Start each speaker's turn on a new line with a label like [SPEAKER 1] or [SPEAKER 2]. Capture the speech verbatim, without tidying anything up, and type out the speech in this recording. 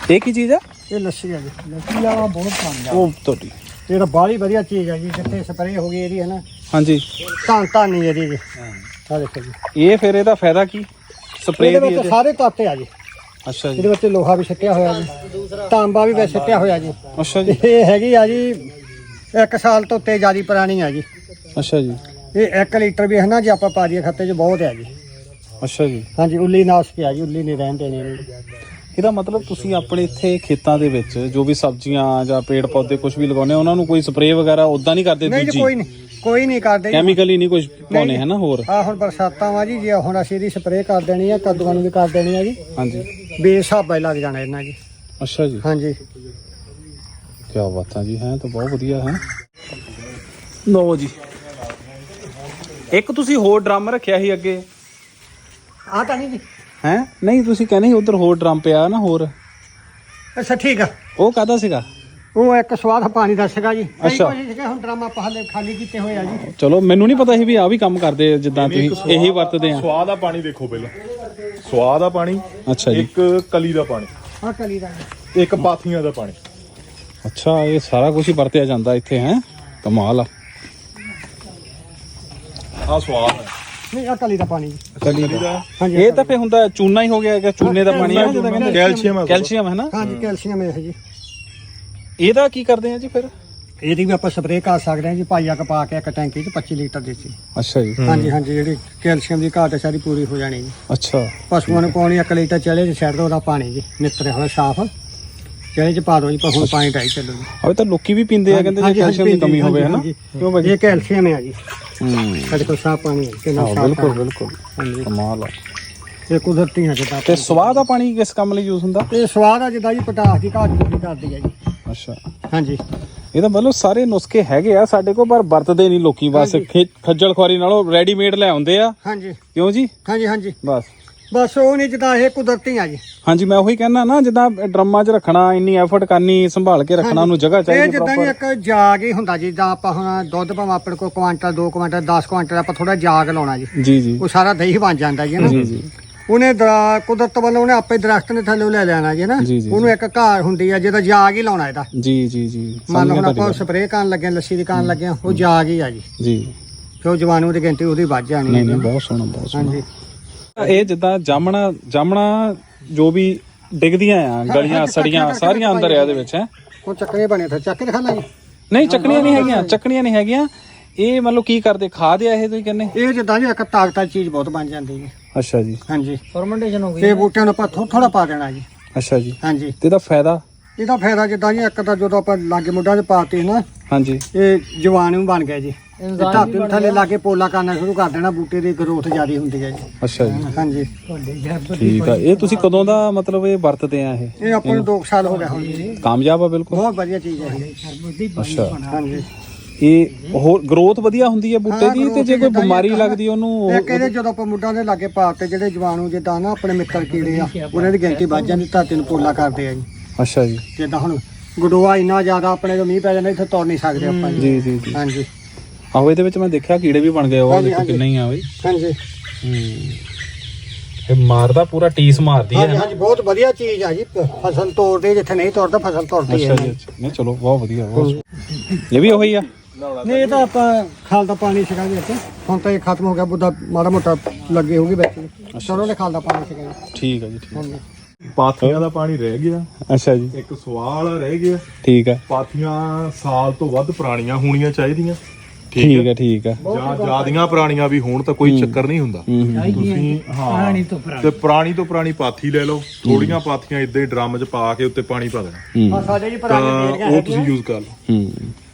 [SPEAKER 1] ਇਹ ਕੀ ਚੀਜ਼ ਆ?
[SPEAKER 2] ਇਹ ਲੱਸੀ ਆ ਜੀ, ਲੱਸੀ ਆ ਬਹੁਤ ਪਸੰਦ ਆ।
[SPEAKER 1] ਉਹ ਤੁਹਾਡੀ
[SPEAKER 2] ਇਹ ਤਾਂ ਬਾਹਲੀ ਵਧੀਆ ਚੀਜ਼ ਆ ਜੀ, ਜਿੱਥੇ ਸਪਰੇਅ ਹੋ ਗਈ ਇਹਦੀ ਹੈ ਨਾ,
[SPEAKER 1] ਹਾਂਜੀ
[SPEAKER 2] ਧੰਨ ਧੰਨ ਹੀ ਇਹਦੀ ਜੀ। ਆ ਦੇਖੋ ਜੀ,
[SPEAKER 1] ਇਹ ਫਿਰ ਇਹਦਾ ਫਾਇਦਾ ਕੀ ਸਪਰੇਅ
[SPEAKER 2] ਇਹਦੇ
[SPEAKER 1] ਦੀ?
[SPEAKER 2] ਵਿੱਚ ਸਾਰੇ ਤੱਤ ਆ ਜੀ।
[SPEAKER 1] ਅੱਛਾ ਜੀ।
[SPEAKER 2] ਇਹਦੇ ਵਿੱਚ ਲੋਹਾ ਵੀ ਛੱਟਿਆ ਹੋਇਆ ਜੀ, ਤਾਂਬਾ ਵੀ ਵਿੱਚ ਛੱਟਿਆ ਹੋਇਆ ਜੀ।
[SPEAKER 1] ਅੱਛਾ ਜੀ।
[SPEAKER 2] ਇਹ ਹੈਗੀ ਆ ਜੀ ਇੱਕ ਸਾਲ ਤੋਂ ਉੱਤੇ ਜ਼ਿਆਦਾ ਪੁਰਾਣੀ ਆ ਜੀ।
[SPEAKER 1] ਅੱਛਾ ਜੀ।
[SPEAKER 2] ਇਹ ਇੱਕ ਲੀਟਰ ਵੀ ਹੈ ਨਾ ਜੇ ਆਪਾਂ ਪਾ ਦਈਏ ਖੱਤੇ 'ਚ ਬਹੁਤ ਆ ਜੀ।
[SPEAKER 1] ਅੱਛਾ ਜੀ।
[SPEAKER 2] ਹਾਂਜੀ, ਉੱਲੀ ਨਾਸ਼ਕ ਆ ਜੀ, ਉੱਲੀ ਨਹੀਂ ਰਹਿਣ ਦੇਣੀ ਇਹਨੂੰ।
[SPEAKER 1] ਇਹਦਾ ਮਤਲਬ ਤੁਸੀਂ ਆਪਣੇ ਇੱਥੇ ਖੇਤਾਂ ਦੇ ਵਿੱਚ ਜੋ ਵੀ ਸਬਜ਼ੀਆਂ ਜਾਂ ਪੇੜ ਪੌਦੇ ਕੁਝ ਵੀ ਲਗਾਉਂਦੇ ਉਹਨਾਂ ਨੂੰ ਕੋਈ ਸਪਰੇਅ ਵਗੈਰਾ ਉਦਾਂ ਨਹੀਂ ਕਰਦੇ?
[SPEAKER 2] ਨਹੀਂ ਜੀ,
[SPEAKER 1] ਦੂਜੀ
[SPEAKER 2] ਕੋਈ ਨਹੀਂ, ਕੋਈ ਨਹੀਂ ਕਰਦੇ।
[SPEAKER 1] ਕੈਮੀਕਲ ਹੀ ਨਹੀਂ ਕੁਝ ਪਾਉਣੇ ਹੈ ਨਾ ਹੋਰ?
[SPEAKER 2] ਆ ਹੁਣ ਬਰਸਾਤਾਂ ਵਾ ਜੀ, ਜੇ ਹੁਣ ਅਸੀਂ ਇਹਦੀ ਸਪਰੇਅ ਕਰ ਦੇਣੀ ਆ, ਕੱਦੂਆਂ ਨੂੰ ਵੀ ਕਰ ਦੇਣੀ ਆ ਜੀ।
[SPEAKER 1] ਹਾਂਜੀ।
[SPEAKER 2] ਬੇਸਾਬਾ ਹੀ ਲੱਗ ਜਾਣਾ ਇਹਨਾਂ ਜੀ।
[SPEAKER 1] ਅੱਛਾ ਜੀ।
[SPEAKER 2] ਹਾਂਜੀ।
[SPEAKER 1] ਕੀ ਬਾਤਾਂ ਜੀ, ਹੈ ਤਾਂ ਬਹੁਤ ਵਧੀਆ ਹੈ। ਲਓ ਜੀ, ਇੱਕ ਤੁਸੀਂ ਹੋਰ ਡਰਮ ਰੱਖਿਆ ਸੀ ਅੱਗੇ,
[SPEAKER 2] ਆ ਤਾਂ ਨਹੀਂ ਜੀ।
[SPEAKER 1] ਹੈ ਨਹੀਂ ਤੁਸੀਂ ਕਹਿੰਦੇ ਸੀ ਉਧਰ ਹੋਰ ਡਰਮ ਪਿਆ ਨਾ ਹੋਰ?
[SPEAKER 2] ਅੱਛਾ ਠੀਕ ਆ।
[SPEAKER 1] ਉਹ ਕਾਹਦਾ ਸੀਗਾ?
[SPEAKER 2] ਉਹ ਇੱਕ ਸਵਾਦ ਪਾਣੀ ਦਾ ਸੀਗਾ ਜੀ। ਕਈ
[SPEAKER 1] ਅੱਛਾ।
[SPEAKER 2] ਕੋਸ਼ਿਸ਼ ਕਿ ਹੁਣ ਡਰਾਮਾ ਪਹਲੇ ਖਾਲੀ ਕੀਤੇ ਹੋਏ ਆ ਜੀ।
[SPEAKER 1] ਚਲੋ ਮੈਨੂੰ ਨਹੀਂ ਪਤਾ ਸੀ ਵੀ ਆ ਵੀ ਕੰਮ ਕਰਦੇ ਜਿੱਦਾਂ ਤੁਸੀਂ ਇਹੀ ਵਰਤਦੇ ਆ।
[SPEAKER 3] ਸਵਾਦ ਆ ਪਾਣੀ ਦੇਖੋ ਪਹਿਲਾਂ, ਸਵਾਦ ਆ ਪਾਣੀ।
[SPEAKER 1] ਅੱਛਾ ਜੀ।
[SPEAKER 3] ਇੱਕ ਕਲੀ ਦਾ ਪਾਣੀ,
[SPEAKER 2] ਆ ਕਲੀ ਦਾ
[SPEAKER 3] ਇੱਕ ਪਾਥੀਆਂ ਦਾ ਪਾਣੀ।
[SPEAKER 1] ਅੱਛਾ, ਇਹ ਸਾਰਾ ਕੁਝ ਹੀ ਵਰਤਿਆ ਜਾਂਦਾ ਇੱਥੇ, ਹੈ ਕਮਾਲ ਆ।
[SPEAKER 3] ਆ ਸਵਾਦ ਹੈ।
[SPEAKER 2] ਨਹੀਂ, ਆ ਕਲੀ ਦਾ ਪਾਣੀ ਜੀ।
[SPEAKER 1] ਕਲੀ
[SPEAKER 3] ਕਲੀ ਦਾ
[SPEAKER 2] ਹਾਂਜੀ।
[SPEAKER 1] ਇਹ ਤਾਂ ਫੇ ਹੁੰਦਾ ਚੂਨਾ ਹੀ ਹੋ ਗਿਆ ਹੈਗਾ, ਚੂਨੇ ਦਾ ਪਾਣੀ ਆ ਜਿੱਦਾਂ ਕਹਿੰਦੇ
[SPEAKER 3] ਕੈਲਸ਼ੀਅਮ ਹੈ।
[SPEAKER 1] ਕੈਲਸ਼ੀਅਮ ਹੈ ਨਾ?
[SPEAKER 2] ਹਾਂਜੀ, ਕੈਲਸ਼ੀਅਮ ਹੈ ਜੀ।
[SPEAKER 1] ਇਹਦਾ ਕੀ ਕਰਦੇ ਆ ਜੀ ਫਿਰ?
[SPEAKER 2] ਇਹਦੀ ਵੀ ਆਪਾਂ ਸਪਰੇਅ ਕਰ ਸਕਦੇ ਹਾਂ ਜੀ, ਪਾਈਆ ਕ ਪਾ ਕੇ ਇੱਕ ਟੈਂਕੀ 'ਚ ਪੱਚੀ ਲੀਟਰ ਦੇ ਸੀ।
[SPEAKER 1] ਅੱਛਾ ਜੀ।
[SPEAKER 2] ਹਾਂਜੀ ਹਾਂਜੀ, ਜਿਹੜੀ ਕੈਲਸ਼ੀਅਮ ਦੀ ਘਾਟ ਹੈ ਸਾਰੀ ਪੂਰੀ ਹੋ ਜਾਣੀ ਜੀ।
[SPEAKER 1] ਅੱਛਾ।
[SPEAKER 2] ਪਸ਼ੂਆਂ ਨੂੰ ਪਾਉਣੀ ਇੱਕ ਲੀਟਰ ਚਲੇ ਚ ਛੱਡ ਦੋ, ਉਹਦਾ ਪਾਣੀ ਜੀ ਨਿੱਤਰਿਆ ਹੋਇਆ ਸਾਫ਼ ਚਲੇ ਚ ਪਾ ਦੋ ਜੀ, ਪਸ਼ੂ ਨੂੰ ਪਾਣੀ ਢਾਈ ਚੱਲੋ ਜੀ।
[SPEAKER 1] ਉਹ ਤਾਂ ਲੋਕੀ ਵੀ ਪੀਂਦੇ ਆ ਕਹਿੰਦੇ ਜੇ ਕੈਲਸ਼ੀਅਮ ਦੀ ਕਮੀ ਹੋਵੇ, ਹੈ ਨਾ? ਕਿਉਂ ਭਾਜੀ?
[SPEAKER 2] ਇਹ ਕੈਲਸ਼ੀਅਮ ਹੈ ਜੀ,
[SPEAKER 1] ਹੂੰ,
[SPEAKER 2] ਸਾਡੇ ਕੋਲ ਸਾਫ਼ ਪਾਣੀ ਹੈ ਕਿੰਨਾ
[SPEAKER 1] ਹਾਂ
[SPEAKER 2] ਸਾਫ਼
[SPEAKER 1] ਬਿਲਕੁਲ
[SPEAKER 2] ਪਾਣੀ।
[SPEAKER 1] ਬਿਲਕੁਲ
[SPEAKER 2] ਹਾਂਜੀ,
[SPEAKER 1] ਕਮਾਲ ਆ।
[SPEAKER 2] ਇਹ ਕੁਦਰਤੀ ਹੈ ਜਿੱਦਾਂ।
[SPEAKER 1] ਤੇ ਸਵਾਦ ਦਾ ਪਾਣੀ ਕਿਸ ਕੰਮ ਲਈ ਯੂਜ਼ ਹੁੰਦਾ?
[SPEAKER 2] ਇਹ ਸਵਾਦ ਆ ਜਿੱਦਾਂ ਜੀ ਪਟਾਸ ਦੀ ਘਾਟ ਪੂਰੀ ਕਰਦੀ ਹੈ ਜੀ।
[SPEAKER 1] ਅੱਛਾ,
[SPEAKER 2] ਹਾਂਜੀ।
[SPEAKER 1] ਇਹਦਾ ਮਤਲਬ ਸਾਰੇ ਨੁਸਖੇ ਹੈਗੇ ਆ ਸਾਡੇ ਕੋਲ, ਪਰ ਵਰਤਦੇ ਨਹੀਂ ਲੋਕੀ, ਬਸ ਖੇ- ਖੱਜਲ ਖੁਆਰੀ ਨਾਲੋਂ ਰੈਡੀਮੇਡ ਲੈ ਆਉਂਦੇ ਆ।
[SPEAKER 2] ਹਾਂਜੀ
[SPEAKER 1] ਕਿਉਂ ਜੀ?
[SPEAKER 2] ਹਾਂਜੀ ਹਾਂਜੀ,
[SPEAKER 1] ਬਸ
[SPEAKER 2] ਬਸ ਉਹ ਨਹੀਂ ਜਿੱਦਾਂ ਇਹ ਕੁਦਰਤੀ ਆ ਜੀ।
[SPEAKER 1] ਹਾਂਜੀ, ਮੈਂ ਉਹੀ ਕਹਿਣਾ ਨਾ, ਜਿੱਦਾਂ ਡਰਮਾਂ 'ਚ ਰੱਖਣਾ, ਇੰਨੀ ਐਫਰਟ ਕਰਨੀ, ਸੰਭਾਲ ਕੇ ਰੱਖਣਾ, ਉਹਨੂੰ ਜਗ੍ਹਾ
[SPEAKER 2] ਇਹ
[SPEAKER 1] ਚਾਹੀਦੀ
[SPEAKER 2] ਜਿੱਦਾਂ ਜੀ ਇੱਕ ਜਾਗ ਹੀ ਹੁੰਦਾ, ਜਿੱਦਾਂ ਆਪਾਂ ਹੁਣ ਦੁੱਧ ਭਾਵੇਂ ਆਪਣੇ ਕੋਲ ਕੁਆਂਟਲ ਦੋ ਕੁਆਂਟਲ ਦਸ ਕੁਆਂਟਲ ਆਪਾਂ ਥੋੜਾ ਜਾਗ ਲਾਉਣਾ ਜੀ,
[SPEAKER 1] ਜੀ ਜੀ
[SPEAKER 2] ਉਹ ਸਾਰਾ ਦਹੀਂ ਬਣ ਜਾਂਦਾ ਜੀ ਨਾ।
[SPEAKER 1] ਜੀ ਜੀ
[SPEAKER 2] ਉਹਨੇ ਦਰਾ- ਕੁਦਰਤ ਵੱਲੋਂ ਉਹਨੇ ਆਪੇ ਦਰਖਤ ਨੇ ਥੱਲੇ ਲੈ ਲੈਣਾ ਜੀ ਨਾ।
[SPEAKER 1] ਜੀ, ਜੀ,
[SPEAKER 2] ਉਹਨੂੰ ਇੱਕ ਘਾਹ ਹੁੰਦੀ ਆ ਜਿਹਦਾ ਜਾਗ ਹੀ ਲਾਉਣਾ ਇਹਦਾ।
[SPEAKER 1] ਜੀ ਜੀ ਜੀ
[SPEAKER 2] ਮੰਨ ਲਓ ਹੁਣ
[SPEAKER 1] ਸਮਝ ਗਿਆ
[SPEAKER 2] ਆਪਾਂ ਸਪਰੇਅ ਕਰਨ ਲੱਗੇ, ਲੱਸੀ ਦੀ ਕਰਨ ਲੱਗੇ, ਉਹ ਜਾਗ ਹੀ ਆ ਜੀ।
[SPEAKER 1] ਜੀ।
[SPEAKER 2] ਕਿਉਂ ਜਵਾਨੂ ਦੀ ਗਿਣਤੀ ਉਹਦੀ ਵੱਧ ਜਾਣੀ
[SPEAKER 1] ਨਹੀਂ
[SPEAKER 2] ਹੈ
[SPEAKER 1] ਨਹੀਂ,
[SPEAKER 2] ਜੀ।
[SPEAKER 1] ਬਹੁਤ ਸੋਹਣਾ ਬਹੁਤ ਸੋਹਣਾ।
[SPEAKER 2] ਹਾਂਜੀ।
[SPEAKER 1] ਇਹ ਜਿੱਦਾਂ ਜਾਮਣਾ ਜਾਮਣਾ ਜੋ ਵੀ ਡਿੱਗਦੀਆਂ ਆ ਗਲੀਆਂ ਸੜੀਆਂ ਸਾਰੀਆਂ ਅੰਦਰ ਆ ਇਹਦੇ ਵਿੱਚ, ਹੈ?
[SPEAKER 2] ਉਹ ਚੱਕਰੇ ਬਣੇ ਫਿਰ ਚੱਕ ਕੇ ਦਿਖਾ ਲਾਂ ਜੀ।
[SPEAKER 1] ਨਹੀਂ, ਚੱਕਣੀਆਂ ਨਹੀਂ ਹੈਗੀਆਂ, ਚੱਕਣੀਆਂ ਨਹੀਂ ਹੈਗੀਆਂ। ਇਹ ਮਤਲਬ ਕੀ ਕਰਦੇ, ਖਾਦ ਆ ਇਹ ਤੁਸੀਂ ਕਹਿੰਦੇ?
[SPEAKER 2] ਇਹ ਜਿੱਦਾਂ ਜੀ ਇੱਕ ਤਾਕਤ ਵਾਲੀ ਚੀਜ਼ ਬਹੁਤ ਬਣ ਜਾਂਦੀ ਹੈ।
[SPEAKER 1] ਅੱਛਾ ਜੀ।
[SPEAKER 2] ਹਾਂਜੀ, ਫਰਮੈਂਟੇਸ਼ਨ ਹੋ ਗਈ ਤੇ ਬੂਟਿਆਂ ਨੂੰ ਆਪਾਂ ਥੋੜਾ ਥੋੜਾ ਪਾ ਦੇਣਾ ਜੀ।
[SPEAKER 1] ਅੱਛਾ ਜੀ।
[SPEAKER 2] ਹਾਂਜੀ,
[SPEAKER 1] ਤੇ ਇਹਦਾ ਫਾਇਦਾ?
[SPEAKER 2] ਇਹਦਾ ਫਾਇਦਾ ਜਿੱਦਾਂ ਜੀ ਇੱਕ ਤਾਂ ਜਦੋਂ ਆਪਾਂ ਲਾਗੇ ਮੁੱਢਾਂ 'ਚ ਪਾਤੀ ਨਾ,
[SPEAKER 1] ਹਾਂਜੀ,
[SPEAKER 2] ਇਹ ਜਵਾਨੂ ਬਣ ਗਿਆ ਜੀ। ਧਾਤੀ ਨੂੰ ਥੱਲੇ ਲਾ ਕੇ ਪੋਲਾ ਕਰਨਾ ਸ਼ੁਰੂ ਕਰ ਦੇਣਾ, ਬੂਟੇ ਦੀ ਗਰੋਥ ਜ਼ਿਆਦਾ ਹੁੰਦੀ ਹੈ ਜੀ।
[SPEAKER 1] ਅੱਛਾ ਜੀ,
[SPEAKER 2] ਹਾਂਜੀ,
[SPEAKER 1] ਠੀਕ ਆ। ਇਹ ਤੁਸੀਂ ਕਦੋਂ ਦਾ ਮਤਲਬ ਇਹ ਵਰਤਦੇ ਆ? ਇਹ
[SPEAKER 2] ਇਹ ਆਪਾਂ ਨੂੰ ਦੋ ਕੁ ਸਾਲ ਹੋ ਗਏ ਹੁਣ ਜੀ।
[SPEAKER 1] ਕਾਮਯਾਬ ਆ ਬਿਲਕੁਲ?
[SPEAKER 2] ਬਹੁਤ ਵਧੀਆ ਚੀਜ਼ ਹੈ ਇਹ।
[SPEAKER 1] ਅੱਛਾ,
[SPEAKER 2] ਹਾਂਜੀ,
[SPEAKER 1] ਇਹ ਹੋਰ ਗਰੋਥ ਵਧੀਆ ਹੁੰਦੀ ਹੈ ਬੂਟੇ ਦੀ? ਤੇ ਜੇ ਕੋਈ ਬਿਮਾਰੀ ਲੱਗਦੀ ਉਹਨੂੰ?
[SPEAKER 2] ਇੱਕ ਇਹਦੇ ਜਦੋਂ ਆਪਾਂ ਮੁੱਢਾਂ ਦੇ ਲਾਗੇ ਪਾਤੇ ਜਿਹੜੇ ਜਵਾਨੂ ਜਿੱਦਾਂ ਨਾ ਆਪਣੇ ਮਿੱਤਰ ਕੀੜੇ ਆ, ਉਹਨਾਂ ਦੀ ਗਿਣਤੀ ਵੱਧ ਜਾਂਦੀ, ਧਾਤੀ ਨੂੰ ਪੋਲਾ ਕਰਦੇ ਆ ਜੀ।
[SPEAKER 1] ਅੱਛਾ ਜੀ।
[SPEAKER 2] ਜਿੱਦਾਂ ਹੁਣ ਗਡੋਆ ਇੰਨਾ ਜ਼ਿਆਦਾ ਆਪਣੇ ਜੋ ਮੀਂਹ ਪੈ ਜਾਂਦਾ, ਇੱਥੇ ਤੁਰ ਨਹੀਂ ਸਕਦੇ ਆਪਾਂ ਜੀ।
[SPEAKER 1] ਜੀ ਜੀ ਜੀ।
[SPEAKER 2] ਹਾਂਜੀ
[SPEAKER 1] ਆਹੋ, ਇਹਦੇ ਵਿੱਚ ਮੈਂ ਦੇਖਿਆ ਕੀੜੇ ਵੀ ਬਣ ਗਏ, ਉਹ
[SPEAKER 2] ਹਾਂਜੀ,
[SPEAKER 1] ਦੇਖੋ ਕਿੰਨੇ ਹੀ ਆ ਬਈ।
[SPEAKER 2] ਹਾਂਜੀ
[SPEAKER 1] ਇਹ ਮਾਰਦਾ ਪੂਰਾ, ਟੀਸ ਮਾਰਦੀ ਹੈ।
[SPEAKER 2] ਹਾਂਜੀ ਹਾਂਜੀ, ਬਹੁਤ ਵਧੀਆ ਚੀਜ਼ ਆ ਜੀ। ਫਸਲ ਤੋੜਦੇ, ਜਿੱਥੇ ਨਹੀਂ ਤੋੜਦਾ ਫਸਲ ਤੋੜਦੀ ਹੈ।
[SPEAKER 1] ਅੱਛਾ ਜੀ, ਅੱਛਾ। ਨਹੀਂ ਚਲੋ, ਬਹੁਤ ਵਧੀਆ, ਬਹੁਤ। ਇਹ ਵੀ ਉਹੀ ਆ?
[SPEAKER 2] ਨਹੀਂ, ਇਹ ਤਾਂ ਆਪਾਂ ਖਾਲ ਦਾ ਪਾਣੀ ਸੀਗਾ ਜੀ ਇੱਥੇ, ਹੁਣ ਤਾਂ ਇਹ ਖਤਮ ਹੋ ਗਿਆ, ਬੁੱਧਾ ਮਾੜਾ ਮੋਟਾ ਲੱਗੇ ਹੋਊਗੀ ਵਿੱਚ। ਸਰੋਂ ਦੇ ਖਾਲ ਦਾ ਪਾਣੀ ਸੀਗਾ ਜੀ।
[SPEAKER 1] ਠੀਕ ਆ ਜੀ, ਠੀਕ।
[SPEAKER 2] ਹਾਂਜੀ,
[SPEAKER 3] ਪਾਥੀਆਂ ਦਾ ਪਾਣੀ ਰਹਿ ਗਿਆ,
[SPEAKER 1] ਅੱਛਾ ਜੀ,
[SPEAKER 3] ਇੱਕ ਸਵਾਲ ਰਹਿ ਗਿਆ।
[SPEAKER 1] ਠੀਕ ਆ,
[SPEAKER 3] ਪਾਥੀਆਂ ਸਾਲ ਤੋਂ ਵੱਧ ਪੁਰਾਣੀਆਂ ਹੋਣੀਆਂ ਚਾਹੀਦੀਆਂ,
[SPEAKER 1] ਠੀਕ ਆ, ਠੀਕ ਆ।
[SPEAKER 3] ਜਾਂ ਜਿਆਦੀਆਂ ਪੁਰਾਣੀਆਂ ਵੀ ਹੋਣ ਤਾਂ ਕੋਈ ਚੱਕਰ ਨਹੀਂ ਹੁੰਦਾ।
[SPEAKER 1] ਹੂੰ ਹੂੰ।
[SPEAKER 3] ਤੁਸੀਂ ਹਾਂ ਤੇ ਪੁਰਾਣੀ ਤੋਂ ਪੁਰਾਣੀ ਪਾਥੀ ਲੈ ਲਓ, ਥੋੜੀਆਂ ਪਾਥੀਆਂ ਇਦਾਂ ਹੀ ਡਰਮ 'ਚ ਪਾ ਕੇ ਉੱਤੇ ਪਾਣੀ ਪਾ ਦੇਣਾ,
[SPEAKER 1] ਹੂੰ
[SPEAKER 2] ਆ ਸਾਡੇ ਜੀ
[SPEAKER 3] ਤਾਂ
[SPEAKER 2] ਪੁਰਾਣੇ
[SPEAKER 3] ਉਹ ਤੁਸੀਂ ਯੂਜ਼ ਕਰ ਲਓ।
[SPEAKER 1] ਹੂੰ।